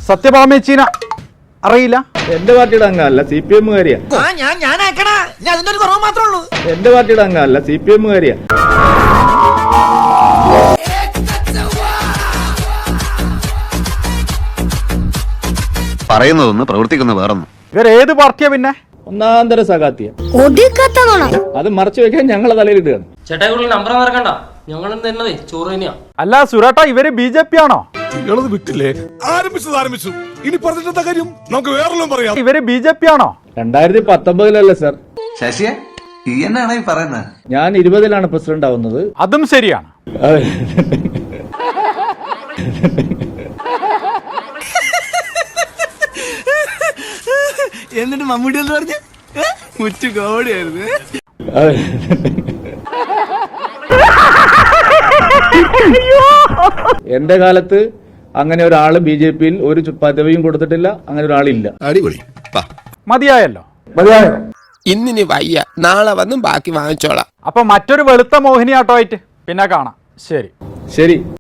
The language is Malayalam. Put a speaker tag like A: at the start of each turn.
A: സത്യഭാമേച്ചീന അറിയില്ല?
B: എന്റെ പാർട്ടിയുടെ അംഗമല്ല, CPM കാരിയാ. എന്റെ പാർട്ടിയുടെ അംഗമല്ല, CPM കാരിയാ.
C: പറയുന്നതൊന്ന് പ്രവർത്തിക്കുന്ന വേറൊന്നും.
A: ഇവരേത് പാർട്ടിയാ പിന്നെ?
B: ഒന്നാന്തര സഖാത്തിയ. അത് മറച്ചു വെക്കാൻ ഞങ്ങളെ തലയിലിടുകയാണ്.
D: നമ്പർ മറക്കണ്ട, ഞങ്ങൾ തന്നതേ ചോറ് തന്നെയാ.
A: അല്ല സുരേട്ടാ, ഇവര് BJP ആണോ?
E: വിട്ടില്ലേ? ആരംഭിച്ചു. ഇനി പറഞ്ഞിട്ടെന്താ കാര്യം? നമുക്ക് വേറെല്ലാം പറയാം.
A: ഇവര് BJP ആണോ?
B: 2019 സർ.
C: ശശിയെ ഈ എന്നാണ് ഈ പറയുന്നത്?
B: ഞാൻ 20 പ്രസിഡന്റ് ആവുന്നത്.
A: അതും ശരിയാണ്.
F: എന്നിട്ട് മമ്മൂട്ടി എന്ന് പറഞ്ഞ് മുച്ചു കോടിയായിരുന്നു.
B: എന്റെ കാലത്ത് അങ്ങനെ ഒരാള് BJP-യിൽ ഒരു പദവിയും കൊടുത്തിട്ടില്ല. അങ്ങനെ ഒരാളില്ല.
E: അടിപൊളി.
A: മതിയായല്ലോ.
G: ഇന്നിനി വയ്യ, നാളെ വന്നും ബാക്കി വാങ്ങിച്ചോളാം.
A: അപ്പൊ മറ്റൊരു വെളുത്ത മോഹിനിയാട്ടമായിട്ട് പിന്നെ കാണാം. ശരി.